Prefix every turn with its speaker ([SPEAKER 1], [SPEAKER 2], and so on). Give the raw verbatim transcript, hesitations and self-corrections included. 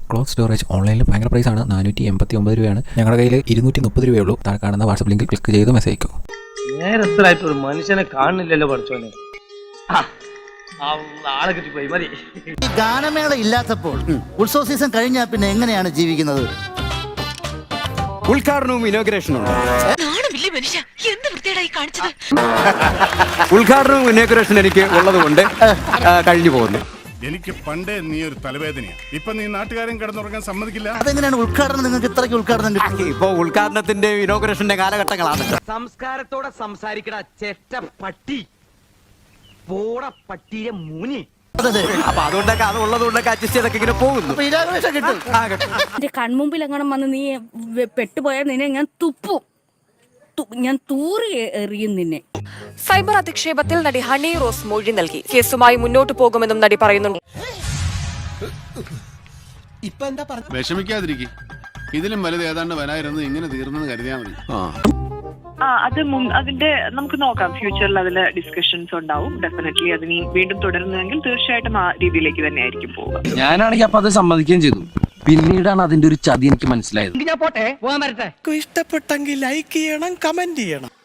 [SPEAKER 1] Cloth storage ഓൺലൈനിൽ ഭയങ്കര പ്രൈസാണ്. നാനൂറ്റി എൺപത്തി ഒമ്പത് രൂപയാണ്. ഞങ്ങളുടെ കയ്യിൽ ഇരുന്നൂറ്റി മുപ്പത് രൂപയുള്ളൂ. താഴെ കാണുന്ന വാട്സപ്പ് ലിങ്കിൽ ക്ലിക്ക് ചെയ്ത് മെസ്സേജ് അയക്കും.
[SPEAKER 2] നേരത്തിലായിട്ട് ഒരു മനുഷ്യനെ കാണുന്നില്ലല്ലോ പഠിച്ചോനെ. ആളെ കിട്ടിപ്പോയി മതി.
[SPEAKER 3] ഈ ഗാനമേള ഇല്ലാത്തപ്പോൾ ഉത്സവ സീസൺ കഴിഞ്ഞാൽ പിന്നെ എങ്ങനെയാണ് ജീവിക്കുന്നത്?
[SPEAKER 4] ഉദ്ഘാടനവും ഇനോഗ്രേഷനും ഉദ്ഘാടനവും ഇനോഗ്രേഷൻ എനിക്ക് ഉള്ളത് കൊണ്ട് കഴിഞ്ഞു പോകുന്നു.
[SPEAKER 5] എനിക്ക് പണ്ടേ നീ ഒരു തലവേദനയാണ്. ഇപ്പൊ നീ നാട്ടുകാരൻ കിടന്നുറങ്ങാൻ സമ്മതിക്കില്ല.
[SPEAKER 3] അതെങ്ങനെയാണ് ഉദ്ഘാടനം നിങ്ങൾക്ക് ഇത്രയ്ക്ക് ഉദ്ഘാടനം കിട്ടും?
[SPEAKER 4] ഇപ്പൊ ഉദ്ഘാടനത്തിന്റെ ഇനോഗ്രേഷന്റെ കാലഘട്ടങ്ങളാണ്.
[SPEAKER 6] സംസ്കാരത്തോടെ സംസാരിക്കട ചെറ്റ പട്ടി പോട പട്ടിയെ മൂനി.
[SPEAKER 4] അപ്പൊ അതുകൊണ്ടൊക്കെ അത് ഉള്ളത് കൊണ്ടൊക്കെ അഡ്ജസ്റ്റ് ചെയ്തൊക്കെ ഇങ്ങനെ പോകുന്നു.
[SPEAKER 7] എന്റെ കൺമുമ്പിൽ എങ്ങനെ വന്ന് നീ പെട്ടുപോയാൽ നിന്നെ ഞാൻ തുപ്പും, ഞാൻ തൂറി എറിയും നിന്നെ.
[SPEAKER 8] സൈബർ അധിക്ഷേപത്തിൽ നടി ഹണി റോസ് മൊഴി നൽകി. കേസുമായി മുന്നോട്ട് പോകുമെന്നും നടി പറയുന്നുണ്ട്.
[SPEAKER 5] വിഷമിക്കാതിരിക്കും. ഇതിലും വലുത് ഏതാണ്ട് വരായിരുന്നു. ഇങ്ങനെ തീർന്നെന്ന് കരുതിയാൽ മതി.
[SPEAKER 9] ആ അത് അതിന്റെ നമുക്ക് നോക്കാം. ഫ്യൂച്ചറിൽ അതിൽ ഡിസ്കഷൻസ് ഉണ്ടാവും. ഡെഫിനറ്റ്ലി അതിന് വീണ്ടും തുടരുന്നതെങ്കിൽ തീർച്ചയായിട്ടും ആ രീതിയിലേക്ക് തന്നെ ആയിരിക്കും പോവുക.
[SPEAKER 6] ഞാനാണെങ്കിൽ അപ്പൊ അത് സമ്മതിക്കുകയും ചെയ്തു. പിന്നീടാണ് അതിന്റെ ഒരു ചതി എനിക്ക് മനസ്സിലായത്.
[SPEAKER 2] ഞാൻ പോട്ടെ, പോകാൻ വരട്ടെ.
[SPEAKER 10] ഇഷ്ടപ്പെട്ടെങ്കിൽ ലൈക്ക് ചെയ്യണം, കമന്റ് ചെയ്യണം.